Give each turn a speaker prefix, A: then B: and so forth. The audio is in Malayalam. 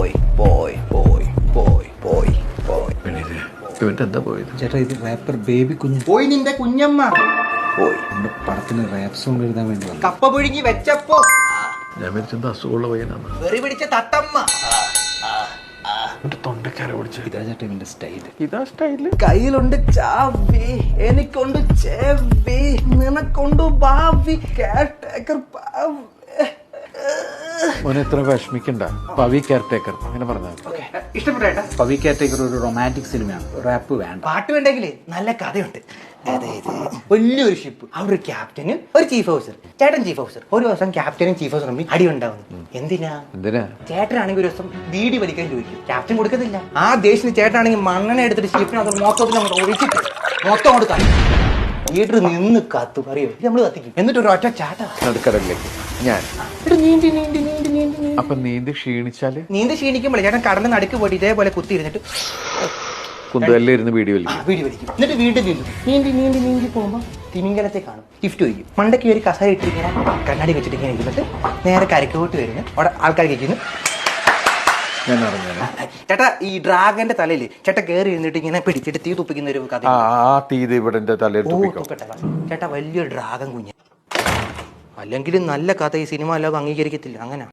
A: പോയി പോയി പോയി പോയി പോയി പോയി.
B: ഇവന്റെ എന്താ പോയത്?
A: ചേട്ടാ ഇത് റാപ്പർ ബേബി കുഞ്ഞ്
C: പോയി നിന്റെ കുഞ്ഞമ്മ
A: പോയി. നമ്മുടെ പടത്തിന് റാപ്പ് സോങ് എഴുതാൻ വേണ്ടി വന്നു.
C: കപ്പ പുഴുങ്ങി വെച്ചപ്പോ
B: ഞാൻ വിളിച്ചെന്താ അസുഖമുള്ള പയ്യനാണ്.
C: വെറി പിടിച്ച തത്തമ്മ.
B: എന്റെ തൊണ്ടക്കാര പിടിച്ച
A: ഇതാ ചേട്ടാ ഇവന്റെ സ്റ്റൈല്.
B: ഇതാ സ്റ്റൈല്.
C: കയ്യിലുണ്ട് ചാവി, എനിക്കൊണ്ട് ചേവി, നിനക്കൊണ്ട് ഭാവി. കെയർടേക്കർ
B: മോനെ എത്ര വിഷമിക്കണ്ട. പവി കെയർടേക്കർ അങ്ങനെ പറഞ്ഞാൽ
C: ഇഷ്ടപ്പെട്ടേട്ടാ.
A: പവി കാറ്റഗറി ഒരു റൊമാൻറ്റിക് സിനിമയാണ്. റാപ്പ് വേണ്ട.
C: പാട്ട് വേണ്ടെങ്കിലേ നല്ല കഥയുണ്ട്. അതായത് വലിയൊരു ഷിപ്പ്, അവിടെ ഒരു ക്യാപ്റ്റനും ഒരു ചീഫ് ഓഫീസർ. ചേട്ടൻ ചീഫ് ഓഫീസർ. ഒരു ദിവസം ക്യാപ്റ്റനും ചീഫ് ഓഫീസറും തമ്മിൽ അടി ഉണ്ടാവുന്നു. എന്തിനാ? ചേട്ടനാണെങ്കിൽ ഒരു ദിവസം ബീഡി വലിക്കാൻ ചോദിക്കും, ക്യാപ്റ്റൻ കൊടുക്കത്തില്ല. ആ ദേശത്തിന് ചേട്ടനാണെങ്കിൽ മണ്ണെണ്ണ എടുത്തിട്ട് ഷിപ്പിനകത്ത് മൊത്തത്തിൽ അങ്ങോട്ട് ഒഴിച്ചിട്ട് മൊത്തം കൊണ്ട് കത്തും. ലീഡർ നിന്ന് കത്തും, അറിയോ? നമ്മൾ കത്തിക്കും. എന്നിട്ട് ഒരു ഒറ്റ ചാട്ട
B: നടുക്കടലിലേക്ക് ഞാൻ
C: നീന്തി നീന്തി നീന്തി നീന്തി നീന്തി
B: അപ്പൊ നീന്തി ക്ഷീണിച്ചാല്
C: നീന്തി ക്ഷീണിക്കുമ്പോഴേ ചേട്ടൻ കടലിൽ നടുക്ക് പോയിട്ട് ഇതേപോലെ കുത്തി ഇരുന്നിട്ട്
B: കുന്തലിരുന്ന് വീഡിയോ
C: വീടി വലിക്കും. എന്നിട്ട് വീട്ടിൽ നീന്തും. നീന്തി നീന്തി നീന്തി പോകുമ്പോൾ തിമിംഗലത്തെ കാണും. ഗിഫ്റ്റ് വയ്ക്കും. മണ്ടയ്ക്ക് ഒരു കസര ഇട്ടിരിങ്ങനെ കണ്ണാടി വെച്ചിട്ട് ഇങ്ങനെ ഇരുന്നിട്ട് നേരെ കരക്കോട്ട് വരുന്നു. അവിടെ ആൾക്കാർ കഴിക്കുന്നു.
B: ഞാൻ അറിഞ്ഞാ
C: ചേട്ടാ ഈ ഡ്രാഗന്റെ തലയിൽ ചേട്ടൻ കയറി ഇരുന്നിട്ട് ഇങ്ങനെ പിടിച്ചിട്ട് തീ തുപ്പിക്കുന്ന ഒരു കഥ.
B: ആ തീത് ഇവിടെ എന്റെ തലയിൽ തുപ്പിക്കോ.
C: ചേട്ടാ വലിയൊരു ഡ്രാഗൻ കുഞ്ഞ്. അല്ലെങ്കിൽ നല്ല കഥ ഈ സിനിമ അല്ലാതെ അംഗീകരിക്കത്തില്ല. അങ്ങനെ